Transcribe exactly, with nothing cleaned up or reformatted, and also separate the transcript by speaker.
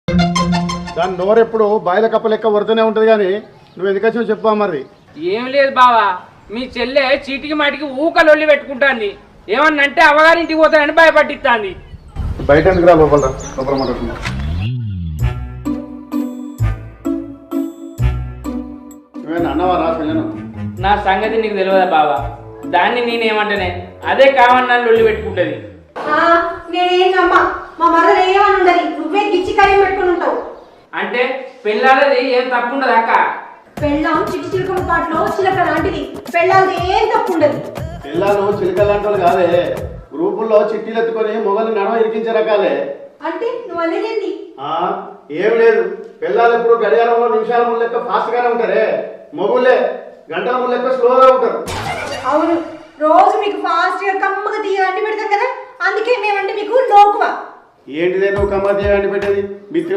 Speaker 1: దాని నోరు ఎప్పుడు బాయిల కప్ప లెక్క వరుతూనే ఉంటుంది కానీ నువ్వు ఎందుకు వచ్చినావు చెప్పా మరి.
Speaker 2: ఏం లేదు బావా, మీ చెల్లె చీటికి మాటికి ఊక లొల్లి పెట్టుకుంటాంది. ఏమన్నంటే అవగారింటికి పోతానని భయపట్టిస్తాంది.
Speaker 1: బయట ఎందుకు రా లోపల లోపల మాట్లాడుతున్నా. నువ్వేనా అన్నవా రా పిల్లను?
Speaker 2: నా సంగతి నీకు తెలియదా బావా, దాన్ని నేనేమంటేనే అదే కావని నన్ను లొల్లి పెట్టుకుంటుంది.
Speaker 3: నేనేం నమ్మా, మా మరదలు ఏమని ఉండదు, నువ్వే గిచ్చి కార్యం పెట్టుకుని ఉంటావు.
Speaker 2: అంటే పెళ్ళాలది ఏం తప్పు ఉండదు అక్క.
Speaker 3: పెళ్ళాం చిటి చిలుకల పాటలో చిలక లాంటిది, పెళ్ళాలది ఏం తప్పు ఉండదు.
Speaker 1: పిల్లలు చిలుక లాంటి వాళ్ళు కాదే, గ్రూపుల్లో చిట్టీలు ఎత్తుకొని మొగలు నడవ ఇరికించే రకాలే.
Speaker 3: అంటే నువ్వు అనేది
Speaker 1: ఏం లేదు, పిల్లలు ఎప్పుడు గడియారంలో నిమిషాల ముందు లెక్క ఫాస్ట్ గానే ఉంటారే, మొగుళ్ళే గంటల ముందు లెక్క స్లోగా ఉంటారు.
Speaker 3: అవును, రోజు మీకు ఫాస్ట్ గా కమ్మగా తీయ అంటి పెడతాం కదా, అందుకే మేమంటే మీకు లోకువా.
Speaker 1: ఏంటిదే నువ్వు కమ్మ తీయ అంటి పెట్టేది? మీ